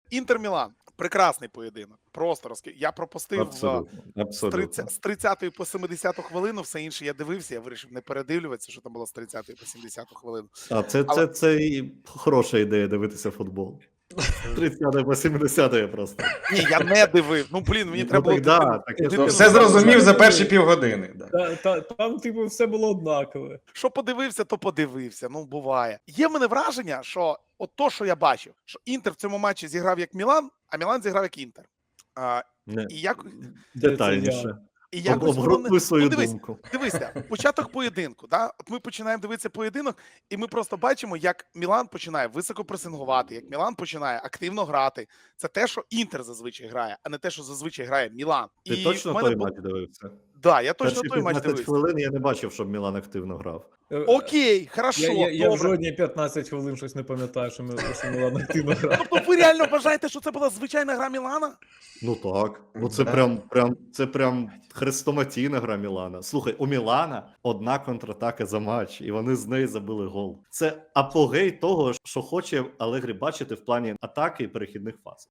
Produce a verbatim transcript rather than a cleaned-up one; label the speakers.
Speaker 1: Інтер-Мілан. Прекрасний поєдинок. Просто розки. Я пропустив
Speaker 2: Абсолютно,
Speaker 1: з,
Speaker 2: абсолютно.
Speaker 1: з тридцятої по семидесяту хвилину, все інше я дивився, я вирішив не передивлюватися, що там було з тридцятої по сімдесяту хвилину.
Speaker 2: А це,
Speaker 1: Але...
Speaker 2: це, це і хороша ідея дивитися футбол. З тридцятої по сімдесятої просто.
Speaker 1: Ні, я не дивив. Ну, блін, мені
Speaker 2: Ну,
Speaker 1: треба було...
Speaker 2: так, да,
Speaker 1: дитину-
Speaker 2: так, я
Speaker 1: дитину
Speaker 3: Все
Speaker 1: забрати.
Speaker 3: зрозумів за перші півгодини. Да.
Speaker 4: Та, та, там, типу, все було однакове.
Speaker 1: Що подивився, то подивився. Ну, буває. Є в мене враження, що от то, що я бачив, що Інтер в цьому матчі зіграв як Мілан, а Мілан зіграв як Інтер. А,
Speaker 2: Не,
Speaker 1: і як...
Speaker 2: детальніше.
Speaker 1: І
Speaker 2: Об,
Speaker 1: якось воно не-
Speaker 2: обґрунтуй свою
Speaker 1: ну, дивись,
Speaker 2: думку.
Speaker 1: Дивися, початок поєдинку. Да? От ми починаємо дивитися поєдинок, і ми просто бачимо, як Мілан починає високо пресингувати, як Мілан починає активно грати. Це те, що Інтер зазвичай грає, а не те, що зазвичай грає Мілан.
Speaker 2: Ти
Speaker 1: і
Speaker 2: точно
Speaker 1: в мене
Speaker 2: той
Speaker 1: бу-
Speaker 2: матч дивився?
Speaker 1: Да, я точно
Speaker 2: Перші
Speaker 1: той матч
Speaker 2: п'ятнадцять
Speaker 1: дивився.
Speaker 2: хвилин я не бачив, щоб Мілан активно грав.
Speaker 4: Е,
Speaker 1: Окей, хорошо,
Speaker 4: Я, я, я в
Speaker 1: добре.
Speaker 4: жодні п'ятнадцять хвилин щось не пам'ятаю, що ми що Мілан активно грав.
Speaker 1: Тобто ви реально вважаєте, що це була звичайна гра Мілана?
Speaker 2: Ну так. Ну це
Speaker 3: Да.
Speaker 2: прям, прям, це прям хрестоматійна гра Мілана. Слухай, у Мілана одна контратака за матч, і вони з неї забили гол. Це апогей того, що хоче Алегрі бачити в плані атаки і перехідних фаз.